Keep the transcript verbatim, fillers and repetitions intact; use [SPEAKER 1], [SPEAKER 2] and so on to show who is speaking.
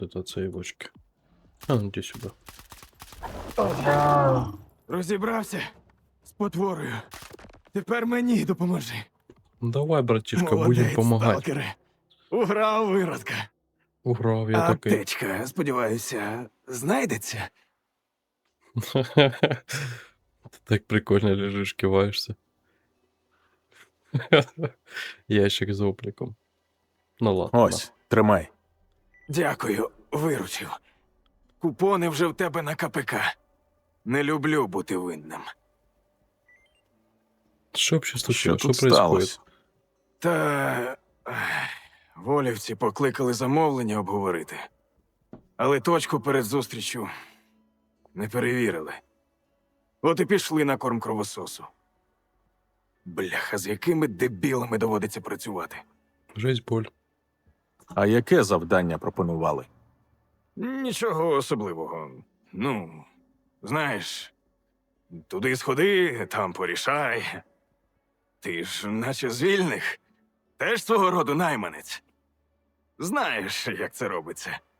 [SPEAKER 1] Это цієї бочки. А, ну іди сюди.
[SPEAKER 2] Розібрався з потворою. Тепер мені допоможи.
[SPEAKER 1] Ну давай, братишка, будем
[SPEAKER 2] Молодець,
[SPEAKER 1] помагати.
[SPEAKER 2] сталкере. Уграв виродка.
[SPEAKER 1] Уграв я такий.
[SPEAKER 2] Аптечка, сподіваюся, знайдеться.
[SPEAKER 1] Ти так прикольно лежиш, киваєшся. Ящик з опліком. Ну ладно.
[SPEAKER 3] Ось, тримай.
[SPEAKER 2] Дякую, виручив. Купони вже в тебе на КПК. Не люблю бути винним.
[SPEAKER 1] Що взагалі
[SPEAKER 3] Що
[SPEAKER 1] случилось? Що
[SPEAKER 3] тут
[SPEAKER 1] происходит?
[SPEAKER 3] сталося?
[SPEAKER 2] Та ех, волівці покликали замовлення обговорити. Але точку перед зустрічю не перевірили. От і пішли на корм кровососу. Бляха, з якими дебілами доводиться працювати.
[SPEAKER 1] Жесть, боль.
[SPEAKER 3] А яке завдання пропонували?
[SPEAKER 2] Нічого особливого. Ну, знаєш, туди сходи, там порішай. Ти ж, наче з вільних, теж свого роду найманець. Знаєш, як це робиться.